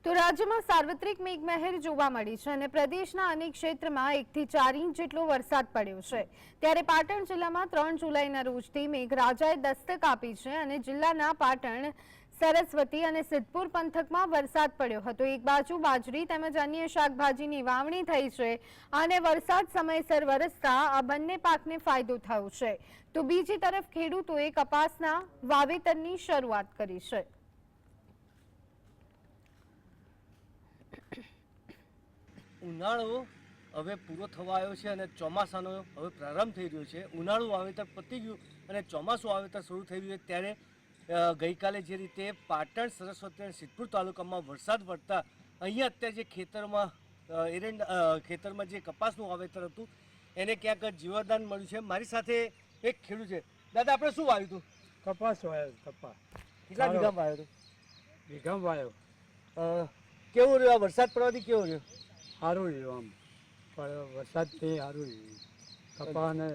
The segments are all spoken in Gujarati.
તો રાજ્યમાં સાર્વત્રિક મેઘમહેર જોવા મળી છે અને પ્રદેશના અનેક ક્ષેત્રમાં 1 થી 4 ઇંચ જેટલો વરસાદ પડ્યો છે। ત્યારે પાટણ જિલ્લામાં 3 જુલાઈના રોજથી મેઘરાજાએ દસ્તક આપી છે અને જિલ્લાના પાટણ, સરસ્વતી અને સિદ્ધપુર પંથકમાં વરસાદ પડ્યો હતો। એક બાજુ બાજરી તેમજ અન્ય શાકભાજીની વાવણી થઈ છે અને વરસાદ સમયસર વરસતા આ બંને પાકને ફાયદો થયો છે, તો બીજી તરફ ખેડૂતોએ કપાસના વાવેતરની શરૂઆત કરી છે। ઉનાળો હવે પૂરો થવા આવ્યો છે અને ચોમાસાનો હવે પ્રારંભ થઈ રહ્યો છે। ઉનાળુ વાવેતર પતી ગયું અને ચોમાસું વાવેતર શરૂ થઈ રહ્યું છે ત્યારે ગઈકાલે જે રીતે પાટણ, સરસ્વતી અને સિદ્ધપુર તાલુકામાં વરસાદ પડતા અહીંયા અત્યારે જે ખેતરમાં જે કપાસનું વાવેતર હતું એને ક્યાંક જીવતદાન મળ્યું છે। મારી સાથે એક ખેડૂત છે। દાદા, આપણે શું વાવ્યું હતું? કપાસ વાવ્યો. કપાસ કેટલા વીઘામાં વાવ્યો હતો? વીઘામાં વાવ્યો. કેવું રહ્યો વરસાદ પડવાથી? કેવું રહ્યો? સારું રહ્યું આમ, પણ વરસાદથી સારું રહ્યું. કપાસને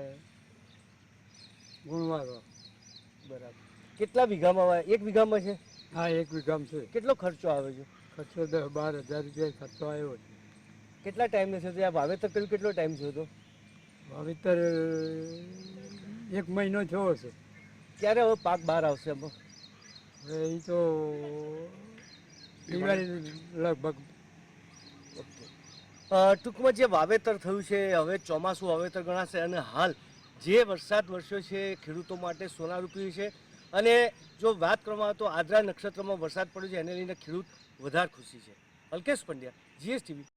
ગુણવારો. બરાબર. કેટલા વીઘામાં વાવ્યા? 1 વીઘામાં છે? હા, 1 વીઘામાં છે. કેટલો ખર્ચો આવે છે? ખર્ચો 10-12 હજાર રૂપિયા ખર્ચો આવ્યો છે। કેટલા ટાઈમ છે? આ વાવેતર કર્યું કેટલો ટાઈમ થયો હતો? વાવેતર 1 મહિનો થયો છે। ક્યારે હવે પાક બહાર આવશે? હવે એ તો દિવાળી લગભગ. ટૂંકમાં જે વાવેતર થયું છે હવે ચોમાસું વાવેતર ગણાશે અને હાલ જે વરસાદ વરસ્યો છે ખેડૂતો માટે સોનારૂપી છે। અને જો વાત કરવામાં આવે તો આદ્રા નક્ષત્રમાં વરસાદ પડ્યો છે એને લઈને ખેડૂત વધારે ખુશી છે। અલ્કેશ પંડ્યા, GSTV।